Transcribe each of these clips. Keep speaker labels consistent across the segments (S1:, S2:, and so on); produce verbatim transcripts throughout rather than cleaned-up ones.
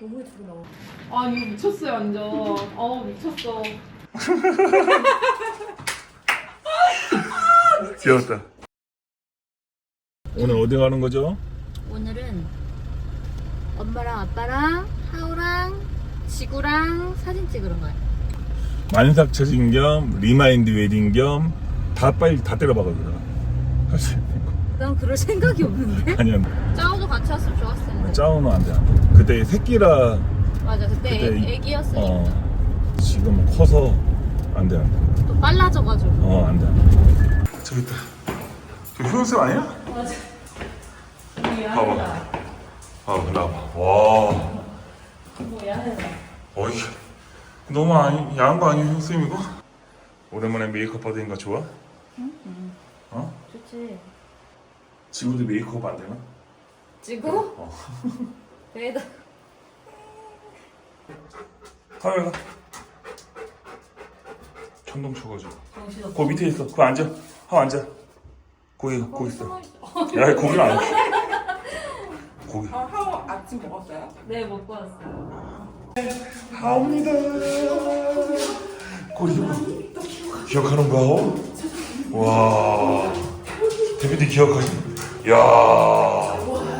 S1: 너무 예쁘게 나와.
S2: 아 이거 미쳤어요 완전. 어우 미쳤어.
S3: 귀엽다. 오늘 어디 가는 거죠?
S1: 오늘은 엄마랑 아빠랑 하우랑 지구랑 사진 찍으러 가요.
S3: 만삭 처진 겸 리마인드 웨딩 겸 다 빨리 다 때려박아주라. 사실
S1: 난 그럴 생각이 없는데.
S3: 아니야.
S1: 짜오도 같이 왔으면 좋았을 텐데.
S3: 짜오는 안 돼. 안 돼. 그때 새끼라.
S1: 맞아 그때,
S3: 그때
S1: 애, 애기였으니까.
S3: 어, 지금 커서 안 돼. 안 돼.
S1: 또 빨라져가지고.
S3: 어, 안 돼. 안 돼. 저기 있다. 저 효연쌤 아니야?
S1: 맞아.
S3: 봐봐. 아, 일로 와봐. 와.
S1: 뭐야?
S3: 어이. 너무 아니, 야한 거 아니야, 효연쌤 이거? 오랜만에 메이크업 받으니까 좋아?
S1: 응? 응.
S3: 어?
S1: 좋지.
S3: 지금도 메이크업 안 되나?
S1: 지구?
S3: 어.
S1: 그래도.
S3: 카메라. 천둥 쳐가지고.
S1: 정신없어.
S3: 그 밑에 있어. 그거 앉아. 하고 앉아. 거기, 거기 있어. 야, 거기는 안 돼. 거기.
S2: 아 하우 아침 먹었어요?
S1: 네 먹고 왔어요.
S3: 합니다. 거기 기억하는 거야? 와. 대표님 기억하시? 야.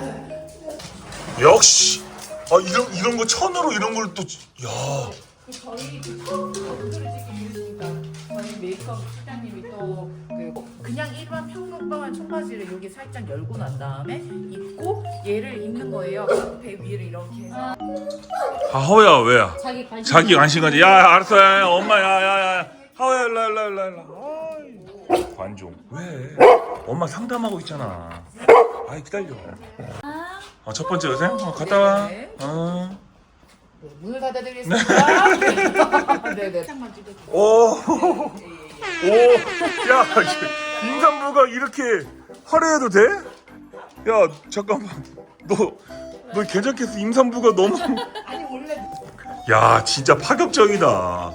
S3: 역시. 아 이런 이런 거 천으로 이런 걸 또. 야.
S2: 저희 처음 얼굴을 찍기 위해서니까 저희 메이크업 실장님이 또 그 그냥 일반 평범한 청바지를 여기 살짝 열고 난 다음에 입고 얘를 입는 거예요. 배 위를 이렇게 해서.
S3: 아 하우야 왜야?
S1: 자기 관심.
S3: 자기 관심 가지. 야 알았어. 야, 엄마 야야야. 하우야 일로 일로 일로 일로. 관종. 왜? 엄마 상담하고 있잖아. 아이 기다려. 어, 첫 번째 여생? 어, 갔다 와.
S2: 네.
S3: 어.
S2: 네, 문을 닫아드리겠습니다. 네네. 살짝만 찍어주세요.
S3: 오. 오. 야 임산부가 이렇게 화려해도 돼? 야 잠깐만. 너 너 괜찮겠어? 임산부가 너무.
S2: 아니 원래
S3: 야 진짜 파격적이다.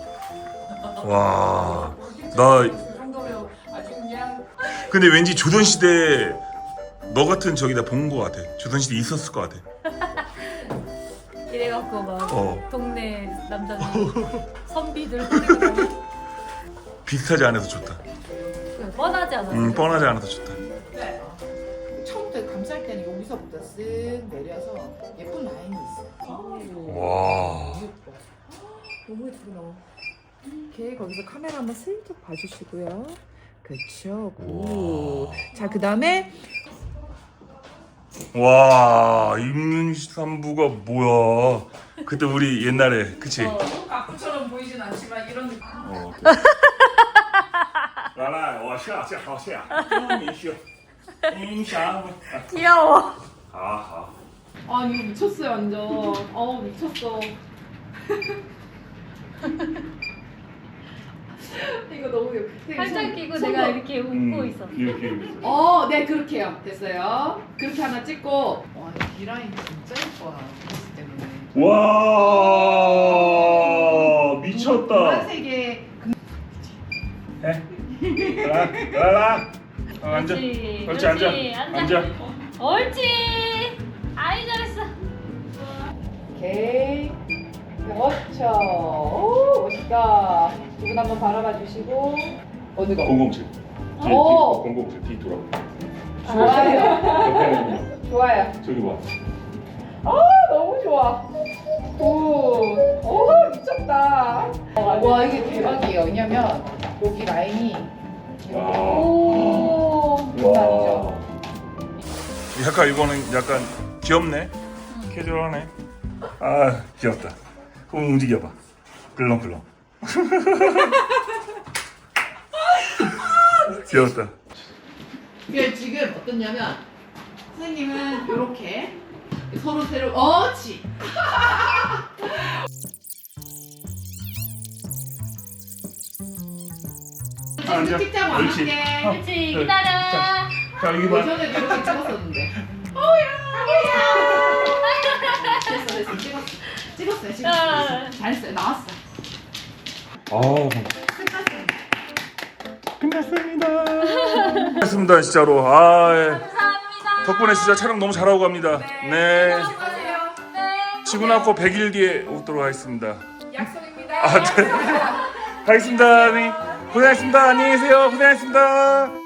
S3: 와. 나
S2: 그 정도면 아주 그냥
S3: 근데 왠지 조선시대 너 같은 저기다 본 거 같아. 조선시대 있었을 것 같아.
S1: 이래갖고 막
S3: 어.
S1: 동네 남자들 선비들 소리가 나고
S3: 비슷하지 않아서 좋다.
S1: 뻔하지 않아?
S3: 음 뻔하지 않아서 좋다.
S2: 네. 처음부터 감쌀 때는 여기서부터 쓱 내려서 예쁜 라인이 있어요.
S3: 와.
S2: 예뻐.
S1: 너무 예쁘게 나와.
S2: 이렇게 거기서 카메라 한번 슬쩍 봐주시고요. 그쵸.
S3: 와.
S2: 굿. 자, 그 다음에
S3: 와 임산부가 뭐야? 그때 우리 옛날에 그치?
S2: 어, 가꾸처럼 보이진 않지만 이런
S3: 어. 来来，我下下好下，你去，你想，
S1: 귀여워.
S3: 好好。
S2: 아 이거 미쳤어요 완전. 어우 미쳤어. 이거 너무 되게
S1: 팔짱
S2: 손-
S1: 끼고
S2: 손도-
S1: 내가 이렇게 웃고 있어.
S3: 이렇게 이렇게.
S2: 어, 네 그렇게요. 됐어요. 그렇게 하나 찍고. 와, 이 라인 진짜 예뻐. 그랬을 때문에.
S3: 와 미쳤다.
S2: 노란색에
S3: 해. 라, 라, 라. 어, 앉아.
S1: 그렇지,
S3: 그렇지 앉아.
S1: 그렇지, 앉아.
S3: 앉아.
S1: 옳지. 아이 잘했어.
S2: 오케이. 그렇죠. 오, 멋있다. 두 분 한번 바라봐 주시고 어느 거?
S3: 공공칠. 뒤에
S2: 오.
S3: 뒤 공공칠 뒤 돌아.
S2: 좋아요. 좋아요.
S3: 저기 봐.
S2: 아, 너무 좋아. 오, 오 미쳤다. 와, 이게 대박이에요. 왜냐면 여기 라인이
S3: 와.
S2: 오, 장난이죠.
S3: 약간 이거는 약간 귀엽네. 캐주얼하네. 아 귀엽다. 그럼 움직여봐. 끌렁끌렁. 귀엽다.
S2: 이게 지금 어떻냐면 선생님은 이렇게 서로 새로 어치.
S3: 앉아.
S2: 찍자고
S3: 옳지.
S2: 할게.
S3: 어.
S1: 그렇지.
S3: 네.
S1: 기다려.
S3: 자, 자 여기 봐.
S2: 예전에 이렇게 찍었었는데. 됐어 됐어 찍었어. 찍었어요 지금.
S1: 아.
S2: 잘했어요 나왔어.
S3: 아
S2: 끝났습니다.
S3: 끝났습니다. 끝났습니다 진짜로. 아 예.
S1: 감사합니다.
S3: 덕분에 진짜 촬영 너무 잘하고 갑니다. 네.
S2: 수고하세요.
S1: 네.
S3: 지고 나고 백 일 뒤에 오도록 하겠습니다.
S2: 약속입니다.
S3: 아, 네. 가겠습니다. 네. 고생하셨습니다. 안녕히 계세요. 고생하셨습니다.